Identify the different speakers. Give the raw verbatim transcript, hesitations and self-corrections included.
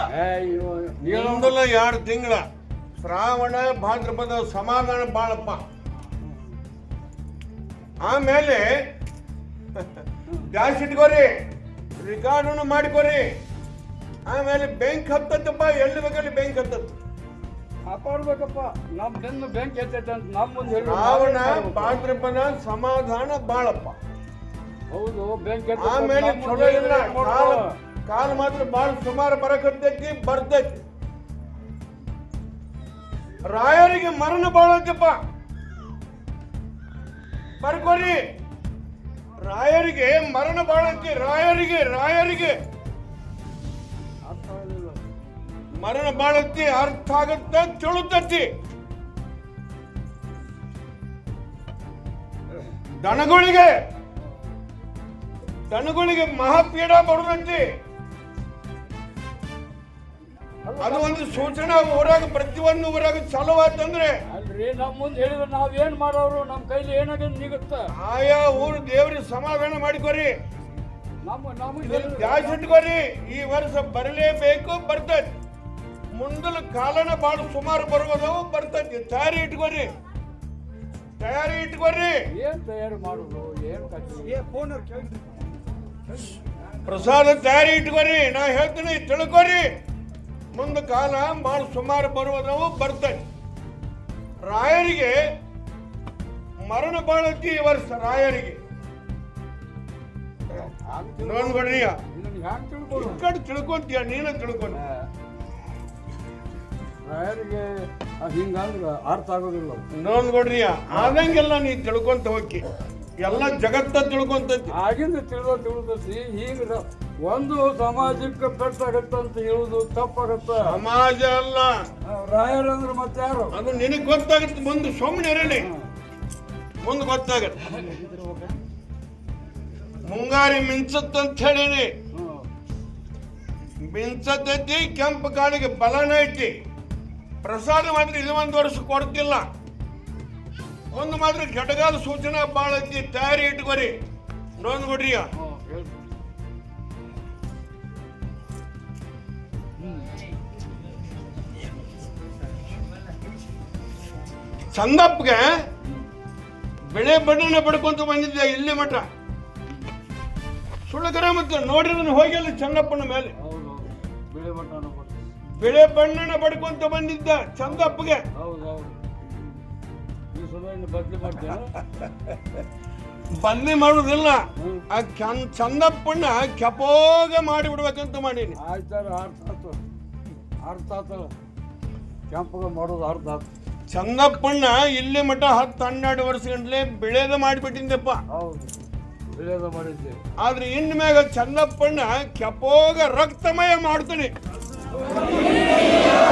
Speaker 1: ಒಂದಲ್ಲ ಎರಡು ತಿಂಗಳ ಶ್ರಾವಣ ಭಾದ್ರಪದ ಸಮಾಧಾನ ಬಾಳಪ್ಪ. ಆಮೇಲೆ ಗ್ಯಾಸ್ ಇಟ್ಕೋರಿ, ರಿಕಾರ್ಡನ್ನು ಮಾಡಿಕೋರಿ. ಆಮೇಲೆ ಬೆಂಕ್ ಹತ್ತತ್ತಪ್ಪ, ಎಲ್ಲಿ ಬೇಕಲ್ಲಿ ಬೆಂಕ್ ಹತ್ತತ್ತು.
Speaker 2: ಕಾಪಾಡ್ಬೇಕಪ್ಪ, ನಮ್ ಬೆನ್ನು ಬೆಂಕಿ ಎತ್ತೈತೆ ಅಂತ ನಮ್ಮ ಮುಂದೆ ಹೇಳಿ.
Speaker 1: ಶ್ರಾವಣ ಭಾದ್ರಪದ ಸಮಾಧಾನ ಬಾಳಪ್ಪ.
Speaker 2: ಹೌದು, ಬೆಂಕಿ
Speaker 1: ಆಮೇಲೆ ಚಲೋ ಇಲ್ಲ, ಕಾಲ ಕಾಲ ಮಾತ್ರ ಬಾಳ ಸುಮಾರು ಬರಕತ್ತೈತಿ, ಬರ್ತೈತಿ. ರಾಯರಿಗೆ ಮರಣ ಬಾಳತ್ತಪ್ಪ, ಬರ್ಕೋರಿ. ರಾಯರಿಗೆ ಮರಣ ಬಾಳತ್ತಿ, ರಾಯರಿಗೆ ರಾಯರಿಗೆ ಮರಣ ಬಾಳತ್ತಿ. ಅರ್ಥ ಆಗತ್ತ, ತಿಳುತ್ತತಿ. ದನಗಳಿಗೆ ದನಗಳಿಗೆ ಮಹಾಪೀಡ ಬರುದಂತಿ. ಅದು ಒಂದು ಸೂಚನಾ ಊರಾಗ, ಪ್ರತಿಯೊಂದು ಊರಾಗ ಚಾಲು ಆತಂದ್ರೆ
Speaker 2: ಅಲ್ರಿ ನಮ್ ಮುಂದೆ ಹೇಳಿದ್ರೆ ನಾವ್ ಏನ್ ಮಾಡೋರು, ನಮ್ ಕೈಲಿ ಏನಾಗ ನಿಗುತ್ತ.
Speaker 1: ಆಯಾ ಊರು ದೇವ್ರಿಗೆ ಸಮಾಧಾನ ಮಾಡಿಕೋರಿ,
Speaker 2: ನಮ್ಮ ನಮಗೆ
Speaker 1: ಜಾಸ್ತಿ ಇಟ್ಕೋರಿ. ಈ ವರ್ಷ ಬರಲೇಬೇಕು, ಬರ್ತೈತಿ. ಮುಂದಲ ಕಾಲನ ಬಾಳ ಸುಮಾರು ಬರುವುದವು, ಬರ್ತೈತಿ. ತಯಾರಿ ಇಟ್ಕೋರಿ, ತಯಾರಿ ಇಟ್ಕೋರಿ.
Speaker 2: ಏನ್ ತಯಾರಿ ಮಾಡುದು, ಏನ್ ಕಟ್ಟಿ
Speaker 1: ಪ್ರಸಾದ ತಯಾರಿ ಇಟ್ಕೋರಿ. ನಾ ಹೇಳ್ತೀನಿ, ತಿಳ್ಕೋರಿ. ಮುಂದ ಕಾಲ ಬಾಳ ಸುಮಾರು ಬರುವುದವು, ಬರ್ತೈತಿ. ರಾಯರಿಗೆ ಮರಣ ಬಾಳತಿ ಈ ವರ್ಷ. ರಾಯರಿಗೆ ನೋಡ್ಕೊಡ್ರಿ, ಕಡೆ ತಿಳ್ಕೊಂತೀಯ, ನೀನ ತಿಳ್ಕೊಂಡ.
Speaker 2: ರಾಯರಿಗೆ ಹಿಂಗಂದ್ರ ಅರ್ಥ ಆಗೋದಿಲ್ಲ.
Speaker 1: ನೋಡ್ಕೊಡ್ರಿ, ಆದಂಗೆಲ್ಲ ನೀ ತಿಳ್ಕೊಂತ ಹೋಗಿ, ಎಲ್ಲ ಜಗತ್ತ ತಿಳ್ಕೊಂತೈತಿ.
Speaker 2: ಆಗಿಂದ ತಿಳಿದ ತಿಳಿದಸಿ ಈಗ ಒಂದು ಸಮಾಜಕ್ಕೆ ಪೆಟ್ಟಾಗತ್ತಂತ ಹೇಳುದು ತಪ್ಪಾಗತ್ತ.
Speaker 1: ಸಮಾಜ ಅಲ್ಲ,
Speaker 2: ರಾಯರಂದ್ರೆ ಮತ್ತೆ ಯಾರು?
Speaker 1: ಅದು ನಿನಗ್ ಗೊತ್ತಾಗತ್ತೆ. ಮುಂದೆ ಸುಮ್ಮನೆ ಇರಲಿ, ಮುಂದೆ ಗೊತ್ತಾಗತ್ತೆ. ಮುಂಗಾರಿ ಮಿಂಚತ್ತಂತ ಹೇಳಿನಿ, ಮಿಂಚತೈತಿ. ಕೆಂಪು ಕಾಳಿಗೆ ಬಲನ ಐತಿ. ಪ್ರಸಾದ ಮಾತ್ರ ಇದು ಒಂದು ವರ್ಷ ಕೊಡ್ತಿಲ್ಲ. ಒಂದು ಮಾತ್ರ ಘಟಗಾಲ ಸೂಚನಾ ಬಾಳ ಐತಿ, ತಯಾರಿ ಇಟ್ಕೋರಿ. ನೋಡ್ಕೊಡ್ರಿ, ಚಂದಪ್ಪಗೆ ಬೆಳೆ ಬಣ್ಣನ ಪಡ್ಕೊಂತ ಬಂದಿದ್ದೆ ಇಲ್ಲಿ ಮಠ. ಸುಳ್ಳಕರ ಮತ್ತೆ ನೋಡಿದ್ರೆ ಹೋಗಿಲ್ಲ ಚಂದಪ್ಪನ ಮೇಲೆ. ಬೆಳೆ ಬಣ್ಣನ ಪಡ್ಕೊಂತ ಬಂದಿದ್ದ ಚಂದಪ್ಪಗೆ. ಬದಲಿ ಮಾಡುದಿಲ್ಲ, ಆ ಚಂದಪ್ಪಣ್ಣ ಕೆಪೋಗ ಮಾಡಿ ಬಿಡ್ಬೇಕಂತ ಮಾಡೀನಿ.
Speaker 2: ಆಯ್ತಾರ, ಅರ್ಥ ಆತು, ಅರ್ಥ ಆತಲ್ಲ. ಕೆಂಪಗ ಮಾಡೋದು ಅರ್ಥ ಆತು.
Speaker 1: ಚಂದಪ್ಪಣ್ಣ ಇಲ್ಲಿ ಮಠ ಹತ್ತು ಹನ್ನೆರಡು ವರ್ಷ ಗಂಟ್ಲೆ ಬೆಳೆದ ಮಾಡಿಬಿಟ್ಟಿದ್ದಪ್ಪ.
Speaker 2: ಹೌದು, ಬೆಳೆದ ಮಾಡಿದ್ದೆ.
Speaker 1: ಆದ್ರೆ ಇನ್ ಮ್ಯಾಗ ಚಂದಪ್ಪಣ್ಣ ಕೆಪೋಗ ರಕ್ತಮಯ ಮಾಡ್ತಾನೆ.